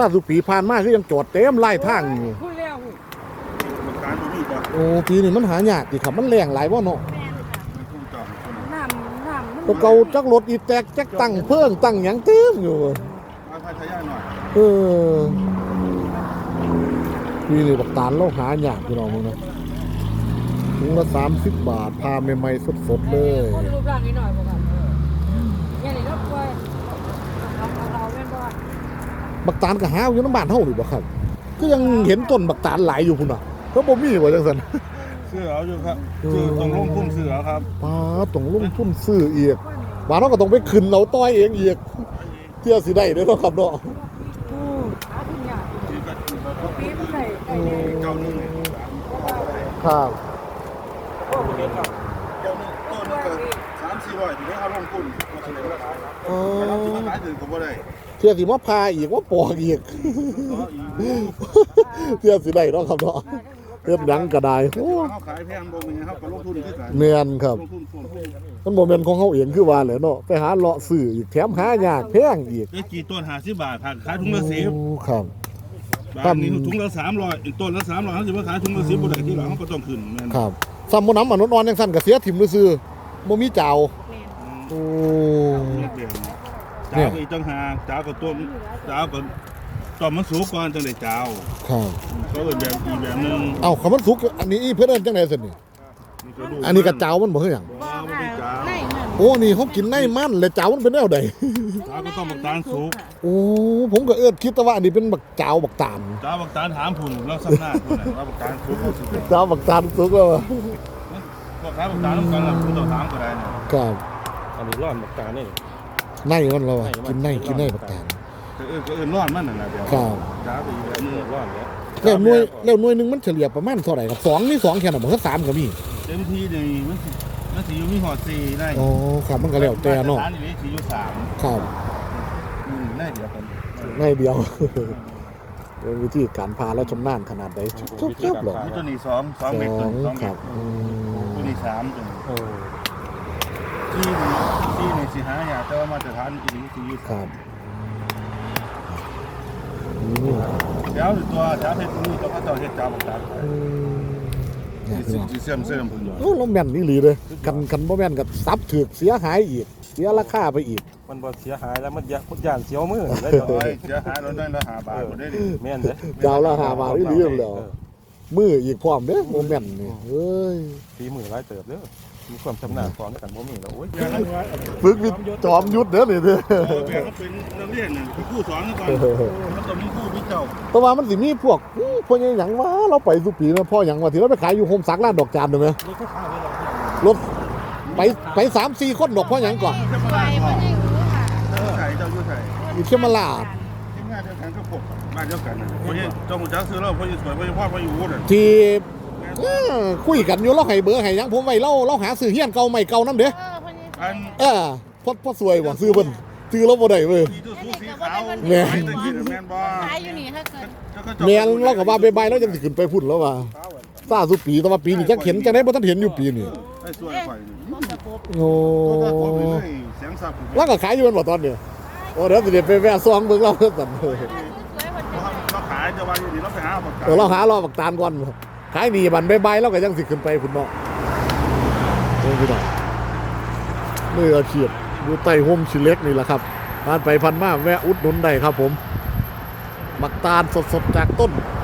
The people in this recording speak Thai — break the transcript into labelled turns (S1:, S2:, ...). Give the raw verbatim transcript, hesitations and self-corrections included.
S1: าสุปีผ่านมาคือยังจอดเต็มไล่ทางอยู่โอ้ปีนี้มันหายากดิครับมันแรงหลายว่าเนาะ
S2: น้ำน้ำ
S1: ตัวเก่าจักรถอีแตกจักตั้งเพิ่งตั้งหยังเต็มอยู่เออปีนี้บักตาลเราหายากพี่น้องมึงนะถุงละสามสิบบาทพาใหม่ๆสดๆเลย
S2: คนรูปร่างนิดหน่อยบ่ครับอย่างนี้ก็ป่วยเอาเราแม่นบ่
S1: บักตาลก็หาอยู่น้ำบ้านเฮาหรือบ่ครับก็ยังเห็นต้นบักตาลหลายอยู่พุ่นน่ะเพิ่นบ่มีว่าจังซั่น
S3: ซื้อเอาอยู่ครับซื้อตรงลงทุนซื้อเอาครับ
S1: ป้าต้องลงทุนซื้ออีกว่าเฮาก็ต้องไปขึ้นเอาต้อยเองอีกเที่ยสิได้เด้อเนาะครับเนาะครับ
S3: เจ้าหนึ่งต้นก็สามสี่ร้อยถึงได้เอาลงทุนมาเฉลี่ยราคาครับเราจะมาขายถึงก็บ่ได้
S1: เที่ยสิมาพาอีกว่าปอกอีกเที่ยสิได้เนาะครับเนาะเฮ็ดหยังก็ได้โอ้
S3: เฮาขายแพงบ่มีเฮาก็ลงทุนคือกัน
S1: แม่นครับมันบ่แม่นของเฮาเองคือว่าแหละเนาะไปหาเลาะซื้ออีกแถมหายากแพงอีก
S3: ไอ้กี่ต้นห้าสิบบาทขายถุงละสิบ
S1: โอ้ครับ
S3: บาทนี้ถุงละสามร้อยอีกต้นละสามร้อยเขาสิมาขายถุงละสิบบ่ได้ที่หลังเฮาก็ต้องขึ้นแม่น
S1: ครับซ้ำบ่น้ำมนุษย์อ่อนจังซั่นก็เสียถิ่มซื่อบ่มีเจ้าโอ้
S3: เจ้าอีกจังหากเจ้าก็ต้มเจ้าก็ต้มมันสุกก่อนจังได้เจ้า
S1: ครับ
S3: ก็เป็นแบบอีกแบบนึง
S1: เอ้าคำมันสุกอันนี้เพิ่นเอิ้นจังได๋ซั่นนี่อันนี้ก็เจ้ามันบ่คือหยังโอ้นี่เฮากินในมันแล้วเจ้ามันเป็นแนวใด
S3: เจ้าก็ต้องบักตาลสุก
S1: โอ้ผมก็เอิ้นคิดแต่ว่าอันนี้เป็นบักเจ้าบักตาล
S3: เจ้าบักตาลถามพุ่นแล้วซ้ำหน้าพุ่นน่ะว่าบักตาลสุก
S1: เจ้าบักตาลสุกแล้ว
S3: พวกค้าบักตาลนำกันล่ะคุณต้องถามก็ได้น่ะ
S1: ครับ
S3: อันนี้ร้อนบักตาลนี่
S1: ในมันเรากินในกินในบักตาล
S3: เออก็เอิ้นร้อนมันนั่นน่ะเดี๋ยว
S1: ครับ
S3: จ้าไปอีกแบบนึงร้อนแล้ว
S1: แล้วหน่วยแล้วหน่วยนึงมันเฉลี่ยประมาณเท่าไหร่ครับสองนี่สองแค่น่ะบ่คือสามก็มี
S3: เต็มที่นี่มันสิมันสิอยู่มีฮอดสี่ได้
S1: อ๋อครับมันก็แล้วแต่เนาะ
S3: ร้านนี้สิอยู่สาม
S1: ครับ
S3: อืมได้เดียวกัน
S1: ได้เดียวเป็นวิธีการพาแล้วชำนาญขนาดใดจบๆหรอ
S3: ตัวนี้สอง สองเมตรสอง
S1: ครับ
S3: ตัวนี้สามตัวนี้ที่ที่นี่สิหายากแต่ว่ามาตรฐานอีนี้สิอยู่
S1: ครับ
S3: เดี๋ยวตัวเดี๋ยวเฮ็ดนี่ต้องเอาเฮ็ดจ้าบักตาลสิสิเสื่อมเสื่อมพุ่นอยู่
S1: โอ้ลมแม่นนี่หลีเลยกันกันบ่แม่นก็ซับถูกเสียหายอีกเสียราคาไปอีก
S4: มันบ่เสียหายแล้วมันยะมันย่านเสียวมือ
S3: ได้ดอกเสียหายแล้วได้ละห้าบาทบ่ได้ดิ
S4: แม่นเด้
S1: เจ้าละห้าบาทนี่หลีแล้วมืออีกพร้อมเด้บ่แม่นนี่เอ้ย
S4: ฝีมือหลายเติบเด้อมีความชำนาญฟ้อนกันบ่มีแล้วโอ้ย
S1: ฝึกวิจอมยุทธเด้อนี่เด้อ
S3: แบบเขาเป็นนักเรียนน่ะผู้สอนก่อนมันต้องมีผู้มีเจ้า
S1: แต่ว่ามันสิมีพวกพวกหยังว่าเราไปสุปีนะพ่อหยังว่าที่เราไปขายอยู่โฮมซักร้านดอกจานได้มั้ยรถไปไป สามสี่ คนดอกพ่อหยังก่อน
S3: ไปบ่ได้รู้ค่ะไสเจ้าอยู่ไส
S1: อยู่เขมราช
S3: ทีมงานเดียวกันก็พวกบ้านเดียวกันน่ะเพราะนี่เจ้าฮู้จักซื้อแล้วเพราะนี่สวยเพราะนี่พ่อเพราะอยู่นั่น
S1: ที่คุยกันอยู่เราให้เบอร์ให้ยังผมไว้เราเราหาซื้อเฮียนเก่าใหม่เก่านำเด้อ
S3: อัน
S1: เออพอพอสวยบ่ซื้อเพิ่นซื้อเราบ่ได้เว้ย
S3: แม่นแม่นบ่
S2: ขายอยู่นี่ถ้าเกิด
S1: แม่นเราก็ว่าบายๆแล้วจังสิขึ้นไปพุ่นแล้วว่าซาสุปีแต่ว่าปีนี้จักเห็นจังได๋บ่ทันเห็นอยู่ปีนี้
S3: ไอ้สวยข่อย
S1: โอ้
S3: เสียงสับ
S1: แล้วก็ขายอยู่มันบ่ตอนนี้โอ้เดี๋ยวสิไปแวะซองเบิ่งเราเพิ่นสั่น
S3: เราขายจะว่าอยู่นี่เราไปหาบักตาล
S1: เออเราหารอบักตาลก่อนขายดีบันบายๆแล้วก็ยังสิขึ้นไปพุ่นเนาะโอ้พี่น้องมืออาชีพอยู่ใต้ห่มชิเล็กนี่แหละครับผ่านไปพันมาแวะอุดหนุนได้ครับผมบักตาลสดๆจากต้น